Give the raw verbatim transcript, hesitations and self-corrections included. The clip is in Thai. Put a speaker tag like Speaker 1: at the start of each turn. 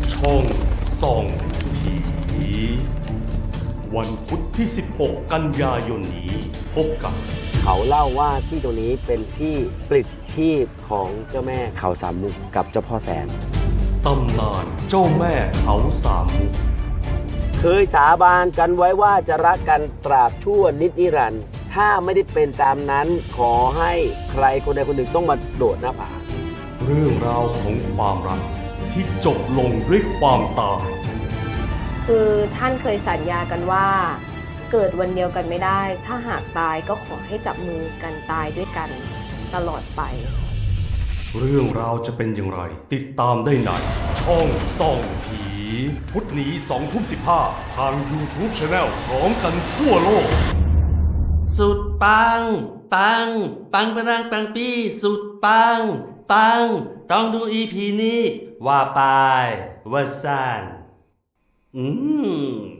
Speaker 1: ช่องส่องผีวันพุธที่สิบหกกันยายนนี้พบกับ
Speaker 2: เขาเล่าว่าที่ตรงนี้เป็นที่ปลิดชีพของเจ้าแม่เขาสามมุกกับเจ้าพ่อแสน
Speaker 1: ตำนานเจ้าแม่เขาสามมุก
Speaker 2: เคยสาบานกันไว้ว่าจะรักกันตราบชั่วนิจนิรันดร์ถ้าไม่ได้เป็นตามนั้นขอให้ใครคนใดคนหนึ่งต้องมาโดดหน้าผา
Speaker 1: เรื่องราวของความรักที่จบลงด้วยความตาย
Speaker 3: คือท่านเคยสัญญากันว่าเกิดวันเดียวกันไม่ได้ถ้าหากตายก็ขอให้จับมือกันตายด้วยกันตลอดไป
Speaker 1: เรื่องราวจะเป็นอย่างไรติดตามได้ในช่องส่องผีพุธนี้สองทุ่มสิบห้าทาง YouTube Channel พร้อมกันทั่วโลก
Speaker 4: สุดปังปังปังปรังปังปี้สุดปังปังต้องดู อี พี นี้ว่าไปว่าซ่านอืม